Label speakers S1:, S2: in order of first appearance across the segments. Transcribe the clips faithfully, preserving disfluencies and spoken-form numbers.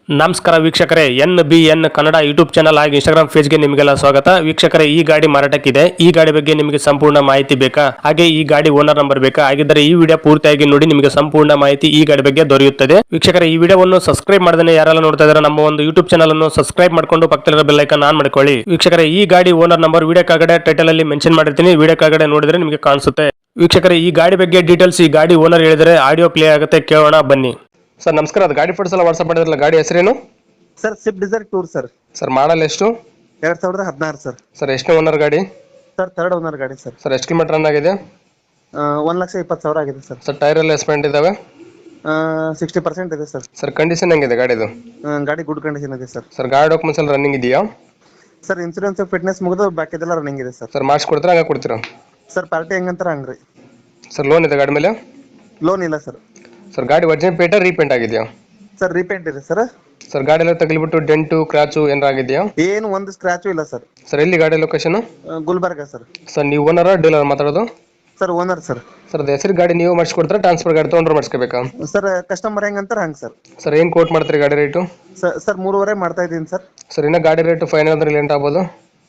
S1: ನಮಸ್ಕಾರ ವೀಕ್ಷಕರೇ, N B N Kannada YouTube channel ಹಾಗೂ ಇನ್ಸ್ಟಾಗ್ರಾಮ್ ಪೇಜ್ಗೆ ನಿಮಗೆಲ್ಲ ಸ್ವಾಗತ. ವೀಕ್ಷಕರೇ, ಈ ಗಾಡಿ ಮಾರಾಟಕ್ಕಿದೆ. ಈ ಗಾಡಿ ಬಗ್ಗೆ ನಿಮಗೆ ಸಂಪೂರ್ಣ ಮಾಹಿತಿ ಬೇಕಾ? ಹಾಗೆ ಈ ಗಾಡಿ ಓನರ್ ನಂಬರ್ ಬೇಕಾ? ಹಾಗಿದ್ದರೆ ಈ ವಿಡಿಯೋ ಪೂರ್ತಿಯಾಗಿ ನೋಡಿ, ನಿಮಗೆ ಸಂಪೂರ್ಣ ಮಾಹಿತಿ ಈ ಗಾಡಿ ಬಗ್ಗೆ ದೊರೆಯುತ್ತದೆ. ವೀಕ್ಷಕರೇ, ಈ ವಿಡಿಯೋವನ್ನು ಸಬ್ಸ್ಕ್ರೈಬ್ ಮಾಡದೇ ಯಾರೆಲ್ಲ ನೋಡ್ತಾ ಇದ್ದಾರೆ ನಮ್ಮ ಒಂದು ಯೂಟ್ಯೂಬ್ ಚಾನಲ್ ಅನ್ನು ಸಬ್ಸ್ಕ್ರೈಬ್ ಮಾಡ್ಕೊಂಡು ಪಕ್ಕದಲ್ಲಿರೋ ಬೆಲ್ ಐಕಾನ್ ಆನ್ ಮಾಡ್ಕೊಳ್ಳಿ. ವೀಕ್ಷಕರೇ, ಈ ಗಾಡಿ ಓನರ್ ನಂಬರ್ ವಿಡಿಯೋ ಕೆಳಗಡೆ ಟೈಟಲ್ ಅಲ್ಲಿ ಮೆನ್ಷನ್ ಮಾಡಿರ್ತೀನಿ, ವಿಡಿಯೋ ಕೆಳಗಡೆ ನೋಡಿದ್ರೆ ನಿಮಗೆ ಕಾಣಿಸುತ್ತೆ. ವೀಕ್ಷಕರೇ, ಈ ಗಾಡಿ ಬಗ್ಗೆ ಡೀಟೇಲ್ಸ್ ಈ ಗಾಡಿ ಓನರ್ ಹೇಳಿದರೆ ಆಡಿಯೋ ಪ್ಲೇ ಆಗುತ್ತೆ, ಕೇಳೋಣ ಬನ್ನಿ. ಸರ್ ನಮಸ್ಕಾರ, ಅದು ಗಾಡಿ ಫೋಟೋಸ್ ಎಲ್ಲ ವಾಟ್ಸ್ಆಪ್ ಮಾಡಿದ್ರಲ್ಲ, ಗಾಡಿ ಹೆಸರೇನು?
S2: Sir Swift Dzire tour sir.
S1: Sir model ಎಷ್ಟು?
S2: ಎರಡ್ ಸಾವಿರದ ಹದಿನಾರು ಸರ್.
S1: ಸರ್ ಎಷ್ಟು ಓನರ್ ಗಾಡಿ?
S2: ಸರ್ ಥರ್ಡ್ ಓನರ್ ಗಾಡಿ ಸರ್.
S1: ಸರ್ ಎಷ್ಟು ಕಿಲೋಮೀಟರ್ ರನ್ ಆಗಿದೆ?
S2: ಒಂದ್ ಲಕ್ಷ ಇಪ್ಪತ್ತು ಸಾವಿರ ಆಗಿದೆ ಸರ್.
S1: ಸರ್ ಟೈರ್ ಎಲ್ಲ ಎಸ್ಪೆಂಟ್ ಇದಾವೆ?
S2: ಸಿಕ್ಸ್ಟಿ ಪರ್ಸೆಂಟ್ ಇದೆ ಸರ್.
S1: ಸರ್ ಕಂಡೀಷನ್ ಹೆಂಗಿದೆ ಗಾಡಿದು?
S2: ಗಾಡಿ ಗುಡ್ ಕಂಡೀಷನ್ ಇದೆ ಸರ್.
S1: ಸರ್ ಗಾಡಿ ಡಾಕ್ಯುಮೆಂಟ್ಸ್ ಎಲ್ಲ ರನ್ನಿಂಗ್ ಇದೆಯಾ?
S2: ಸರ್ ಇನ್ಸೂರೆನ್ಸ್ ಫಿಟ್ನೆಸ್ ಮುಗಿದು ಬಾಕಿ ಇದೆಲ್ಲ ರನ್ನಿಂಗ್ ಇದೆ ಸರ್.
S1: ಸರ್ ಮಾಡಿಸ್ಕೊಡ್ತೀರಾ ಹಂಗೆ ಕೊಡ್ತೀರಾ?
S2: ಸರ್ ಪಾರ್ಟಿ ಹೆಂಗಂತಾರ ಹಂಗ್ರಿ.
S1: ಸರ್ ಲೋನ್ ಇದೆ ಗಾಡಿ ಮೇಲೆ?
S2: ಲೋನ್ ಇಲ್ಲ ಸರ್.
S1: ಸರ್ ಗಾಡಿ ಒರಿಜಿನಲ್ ಪೇಟ ರೀಪೇಂಟ್ ಆಗಿದೆಯಾ?
S2: ಸರ್ ರೀಪೇಂಟ್ ಇದೆ ಸರ್.
S1: ಸರ್ ಗಾಡಿ ಎಲ್ಲ ತಗಲಿಬಿಟ್ಟು ಡೆಂಟು ಕ್ರಾಚು ಏನಾರ ಆಗಿದೆಯಾ?
S2: ಏನು ಒಂದು ಸ್ಕ್ರಾಚು ಇಲ್ಲ ಸರ್.
S1: ಸರ್ ಎಲ್ಲಿ ಗಾಡಿ ಲೊಕೇಶನ್?
S2: ಗುಲ್ಬರ್ಗ ಸರ್.
S1: ಸರ್ ನೀವು ಓನರ್ ಡೀಲರ್ ಮಾತಾಡೋದು?
S2: Sir owner sir.
S1: ಸರ್ ಅದು ಹೆಸರು ಗಾಡಿ ನೀವು ಮಾಡಿಸ್ಕೊಡ್ತಾರೆ, ಟ್ರಾನ್ಸ್ಫರ್ ಗಾಡಿ ತೊಗೊಂಡ್ರೆ ಮಾಡಿಸ್ಕೋಬೇಕಾ?
S2: ಸರ್ ಕಸ್ಟಮರ್ ಹೆಂಗಂತಾರ ಹಂಗೆ ಸರ್.
S1: ಸರ್ ಏನು ಕೋಟ್ ಮಾಡ್ತೀರಿ ಗಾಡಿ ರೇಟು?
S2: ಸರ್ ಮೂರುವರೆ ಮಾಡ್ತಾ ಇದ್ದೀನಿ ಸರ್.
S1: ಸರ್ ಇನ್ನು ಗಾಡಿ ರೇಟು ಫೈನಲ್ ಅಂದ್ರೆ ಲೇಟ್ ಆಗ್ಬೋದು?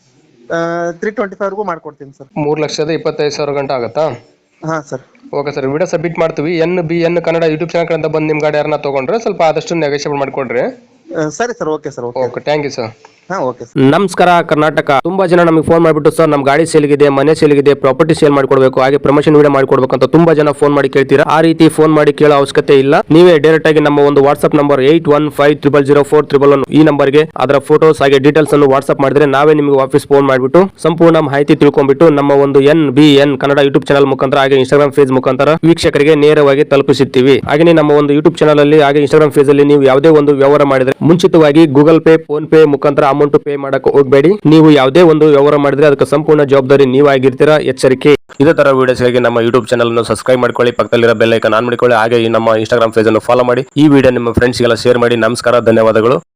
S2: ತ್ರೀ ಟ್ವೆಂಟಿ ಫೈವ್ಗೂ ಮಾಡ್ಕೊಡ್ತೀನಿ ಸರ್.
S1: ಮೂರು ಲಕ್ಷದ ಇಪ್ಪತ್ತೈದು ಸಾವಿರ ಗಂಟೆ ಆಗುತ್ತಾ?
S2: ಹಾಂ sir.
S1: Okay sir, video submit ಮಾಡ್ತೀವಿ. N B N Kannada YouTube channel ಕಡೆಯಿಂದ ಬಂದು ನಿಮ್ಮ ಗಾಡಿ ಯಾರನ್ನ ತೊಗೊಂಡ್ರೆ ಸ್ವಲ್ಪ ಆದಷ್ಟು ನೆಗೋಷಿಯೇಟ್ ಮಾಡಿಕೊಡ್ರಿ.
S2: ಸರಿ sir, okay sir. Okay
S1: okay, thank you sir.
S2: ಹಾಂ ಓಕೆ ಸರ್.
S1: ನಮಸ್ಕಾರ ಕರ್ನಾಟಕ. ತುಂಬಾ ಜನ ನಮಗೆ ಫೋನ್ ಮಾಡಿಬಿಟ್ಟು ಸರ್ ನಮ್ಮ ಗಾಡಿ ಸೇಲ್ಗಿದೆ, ಮನೆ ಸೇಲ್ಗಿದೆ, ಪ್ರಾಪರ್ಟಿ ಸೇಲ್ ಮಾಡ್ಕೊಡ್ಬೇಕು, ಹಾಗೆ ಪ್ರಮೋಷನ್ ವಿಡಿಯೋ ಮಾಡ್ಕೊಡ್ಬೇಕು ಅಂತ ತುಂಬಾ ಜನ ಫೋನ್ ಮಾಡಿ ಕೇಳ್ತೀರಾ. ಆ ರೀತಿ ಫೋನ್ ಮಾಡಿ ಕೇಳೋ ಅವಶ್ಯಕತೆ ಇಲ್ಲ. ನೀವೇ ಡೈರೆಕ್ಟ್ ಆಗಿ ನಮ್ಮ ಒಂದು WhatsApp number eight one five triple zero four triple one ಈ ನಂಬರ್ಗೆ ಅದರ ಫೋಟೋಸ್ ಹಾಗೆ ಡೀಟೇಲ್ಸ್ ಅನ್ನು ವಾಟ್ಸ್ಆಪ್ ಮಾಡಿದ್ರೆ ನಾವೇ ನಿಮಗೆ ವಾಪಸ್ ಫೋನ್ ಮಾಡಿಬಿಟ್ಟು ಸಂಪೂರ್ಣ ಮಾಹಿತಿ ತಿಳ್ಕೊಂಡ್ಬಿಟ್ಟು ನಮ್ಮ ಒಂದು N B N Kannada YouTube channel ಮುಖಾಂತರ ಹಾಗೆ ಇನ್ಸ್ಟಾಗ್ರಾಮ್ ಪೇಜ್ ಮುಖಾಂತರ ವೀಕ್ಷಕರಿಗೆ ನೇರವಾಗಿ ತಲುಪಿಸುತ್ತೀವಿ. ಹಾಗೆ ನಮ್ಮ ಒಂದು ಯೂಟ್ಯೂಬ್ ಚಾನಲ್ ಅಲ್ಲಿ ಹಾಗೆ ಇನ್ಸ್ಟಾಗ್ರಾಮ್ ಪೇಜ್ ಅಲ್ಲಿ ನೀವು ಯಾವುದೇ ಒಂದು ವ್ಯವಹಾರ ಮಾಡಿದ್ರೆ ಮುಂಚಿತವಾಗಿ ಗೂಗಲ್ ಪೇ, ಫೋನ್ ಪೇ ಮುಖಾಂತರ ಅಮೌಂಟ್ ಪೇ ಮಾಡಕ್ಕೆ ಹೋಗಬೇಡಿ. ನೀವು ಯಾವುದೇ ಒಂದು ವ್ಯವಹಾರ ಮಾಡಿದ್ರೆ ಅದಕ್ಕೆ ಸಂಪೂರ್ಣ ಜವಾಬ್ದಾರಿ ನೀವಾಗಿರ್ತೀರಾ, ಎಚ್ಚರಿಕೆ. ಇದೇ ತರ ವಿಡಿಯೋಸ್ಗಾಗಿ ನಮ್ಮ ಯೂಟ್ಯೂಬ್ ಚಾನಲ್ ಅನ್ನು ಸಬ್ಸ್ಕ್ರೈಬ್ ಮಾಡ್ಕೊಳ್ಳಿ, ಪಕ್ಕದಲ್ಲಿರೋ ಬೆಲ್ ಐಕಾನ್ ಆನ್ ಮಾಡಿಕೊಳ್ಳಿ, ಹಾಗೆ ಈ ನಮ್ಮ ಇನ್ಸ್ಟಾಗ್ರಾಮ್ ಪೇಜ್ ಅನ್ನು ಫಾಲೋ ಮಾಡಿ. ಈ ವಿಡಿಯೋ ನಿಮ್ಮ ಫ್ರೆಂಡ್ಸ್ಗೆಲ್ಲ ಶೇರ್ ಮಾಡಿ. ನಮಸ್ಕಾರ, ಧನ್ಯವಾದಗಳು.